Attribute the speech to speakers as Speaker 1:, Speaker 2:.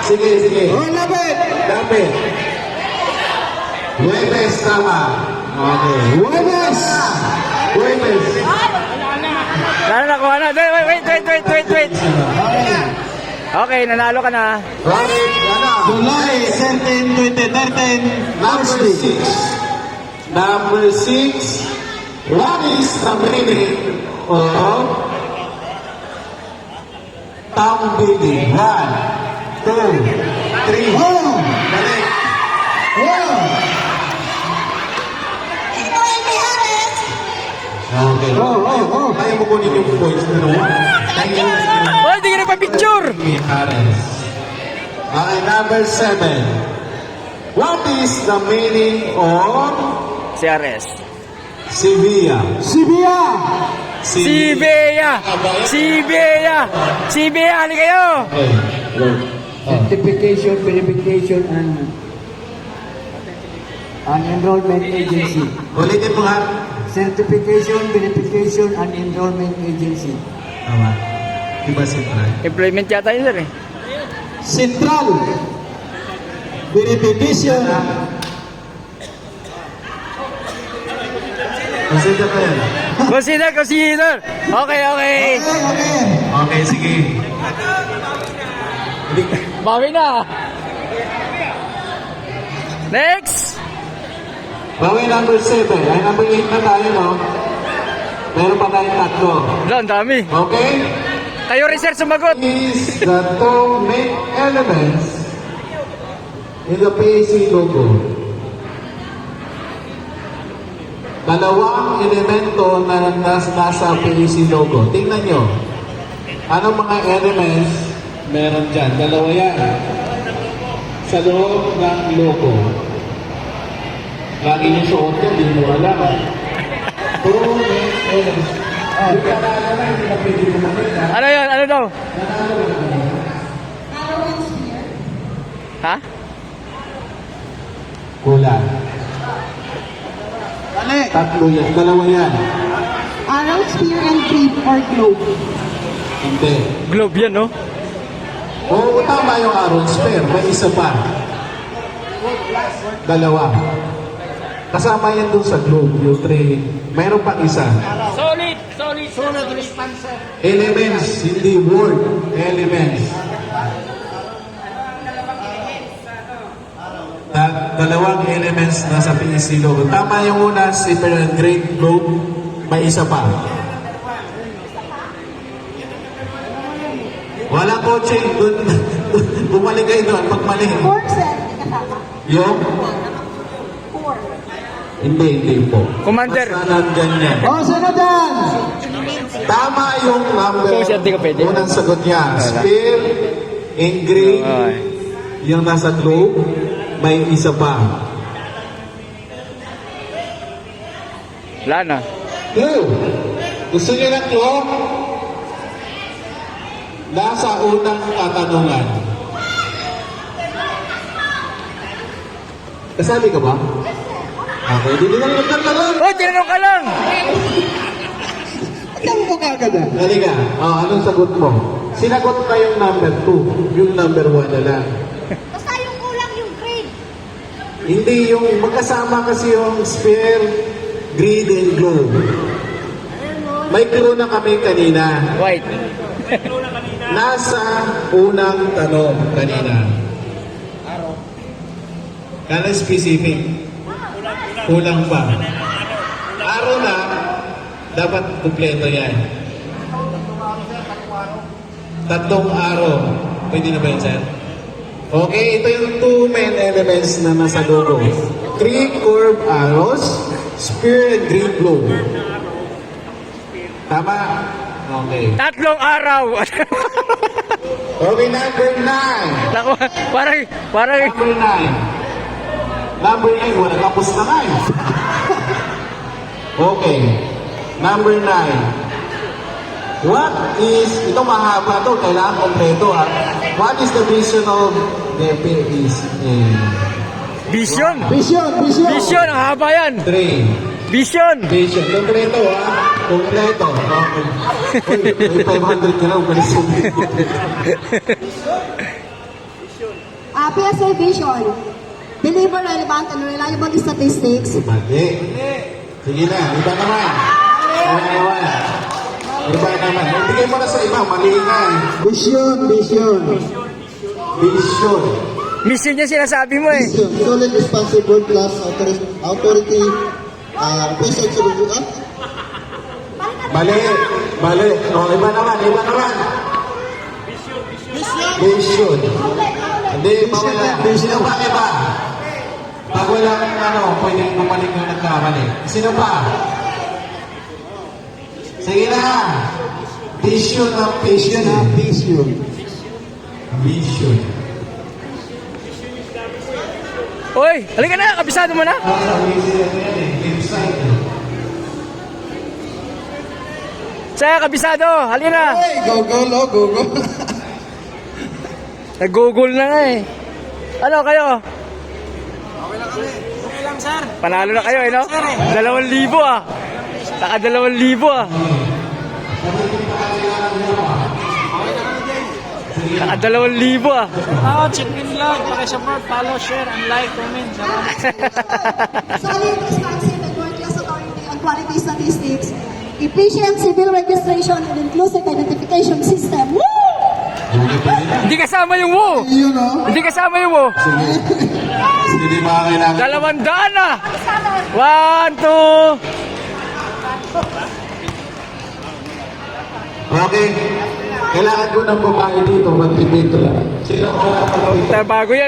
Speaker 1: Sige, sige.
Speaker 2: Oh, lapit.
Speaker 1: Lapit. Huwebes, tama. Okay.
Speaker 2: Huwebes.
Speaker 1: Huwebes.
Speaker 3: Lalo nakuha na. Wait. Okay, nanalo ka na.
Speaker 1: Right, yan na.
Speaker 2: July 13, 2013.
Speaker 1: Number 6. Number 6. What is the meaning of tambili? 1, 2, 3.
Speaker 2: Oh!
Speaker 1: Dali.
Speaker 2: Oh!
Speaker 1: Okay. Kaya mo kunin yung points na naman.
Speaker 3: Oh, hindi ka na pa-picture.
Speaker 1: Okay, number 7. What is the meaning of
Speaker 3: CRS.
Speaker 1: Sevilla?
Speaker 2: Sibia.
Speaker 3: Sibea! Halika kayo!
Speaker 1: Okay.
Speaker 4: Certification, verification, and enrollment agency.
Speaker 1: Ulitin mo nga.
Speaker 4: Certification, verification, and enrollment agency.
Speaker 1: Tama. Diba siyempre?
Speaker 3: Employment yata yun, sir eh.
Speaker 2: Central. Verification.
Speaker 1: Consider ko yan.
Speaker 3: Consider! Okay.
Speaker 2: Okay.
Speaker 1: Okay, sige.
Speaker 3: Bawi na! Next!
Speaker 1: Bawi number 7. Ay, number 8 na tayo, no? Meron pa tayong tatlo.
Speaker 3: Wala, ang dami.
Speaker 1: Okay?
Speaker 3: Kayo rin, sir, sumagot.
Speaker 1: Is the two main elements in the PAC logo. Dalawang elemento na nasa PAC logo. Tingnan nyo. Anong mga elements meron dyan? Dalawa yan. Sa loob ng logo. Lagi nyo suot yun, hindi mo alam. Two main elements. Hindi ka na hindi na pwede kumamit na.
Speaker 3: Ano yun? Ano daw? Ha?
Speaker 1: Kulang.
Speaker 2: Dali.
Speaker 1: Tatlo yan. Dalawa yan.
Speaker 5: Arrow, spear, and creep or globe.
Speaker 1: Hindi.
Speaker 3: Globe yan, no?
Speaker 1: Oo, tama yung Aaron Spare. May isa pa. Dalawa. Kasama yan dun sa globe, yung three. Mayroon pang isa.
Speaker 3: Solid.
Speaker 1: Elements, hindi word. Elements. Dalawang elements na sa PEC logo. Tama yung una, silver and green globe. May isa pa. Wala coaching. Bumalik kayo doon. Pag mali.
Speaker 5: Four, sir. Hindi kasama.
Speaker 1: Yung?
Speaker 5: Four.
Speaker 1: Hindi po.
Speaker 3: Commander.
Speaker 1: Basta nandyan yan.
Speaker 2: Oh, sino dyan?
Speaker 1: Tama yung number.
Speaker 3: Kung siya, di ka pwede.
Speaker 1: Unang sagot niya. Spear, in green,
Speaker 3: Okay.
Speaker 1: yung nasa globe, may isa pa.
Speaker 3: Wala na.
Speaker 1: Clue. Gusto niyo ng clue? Nasa unang katanungan. Kasali ka ba? Okay, hindi na lang nagtanong.
Speaker 3: Oh, tinanong ka lang!
Speaker 2: Alam mo kagad ah.
Speaker 1: Halika. Oh, anong sagot mo? Sinagot ka yung number 2. Yung number 1 na lang.
Speaker 5: Basta yung kulang yung grade.
Speaker 1: Hindi yung magkasama kasi yung sphere, grid, and globe. May clue na kami kanina.
Speaker 3: White.
Speaker 1: Nasa unang tanong kanina. Kala specific. Kulang pa. Araw na, dapat kumpleto yan. Tatlong araw. Pwede na ba yun, sir? Okay, ito yung two main elements na nasa logo. 3 curved arrows, spear and green globe. Tama? Okay.
Speaker 3: Tatlong araw.
Speaker 1: Okay, number 9.
Speaker 3: Naku, parang,
Speaker 1: Number 9. Number 9, wala tapos na nga eh. Okay. Number 9. What is, ito mahaba to, kailangan kompleto ha. What is the vision of the PACA?
Speaker 3: vision.
Speaker 2: Vision.
Speaker 3: Vision, ang haba yan.
Speaker 1: 3.
Speaker 3: Vision.
Speaker 1: Vision. Kompleto ha. Kompleto. Okay. Uy, may 500 ka na. Umalis yung
Speaker 5: PSA Vision. Deliver relevant and reliable statistics.
Speaker 1: Mali. Sige na, iba naman. Iba naman. Bigay mo na sa iba, mali nga eh.
Speaker 2: Vision.
Speaker 1: Vision.
Speaker 3: Mission yung sinasabi mo eh.
Speaker 2: Vision. Solid, responsible, plus authority, present solution.
Speaker 1: Mali. O, iba naman. Vision. Hindi, mawala. Sino pa iba? Pag wala kang pwedeng mamaling yung nagkamali. Sino pa? Sige na. Vision ng vision. Vision.
Speaker 3: Oy, halika na, kabisado mo na.
Speaker 1: Website.
Speaker 3: Saya, kabisado, halika na.
Speaker 2: Hey, go.
Speaker 3: Nag-google na nga eh. Ano kayo? Okay lang sir. Panalo na kayo eh, no? 2,000 ah. Naka 2,000 ah. Naka 2,000 ah.
Speaker 6: Check in lang, pakisupport, follow, share, and like, comment. Salamat.
Speaker 5: Solid, responsive, and world-class authority on quality statistics. Efficient civil registration and inclusive identification system. Woo!
Speaker 3: Hindi kasama yung wo.
Speaker 2: Yun o.
Speaker 3: Hindi kasama yung wo.
Speaker 1: Hindi ba kailangan?
Speaker 3: 200 na. 1, 2.
Speaker 1: Okay. Kailangan ko ng babae dito, mag-debate. Sino ang
Speaker 3: Bago yan.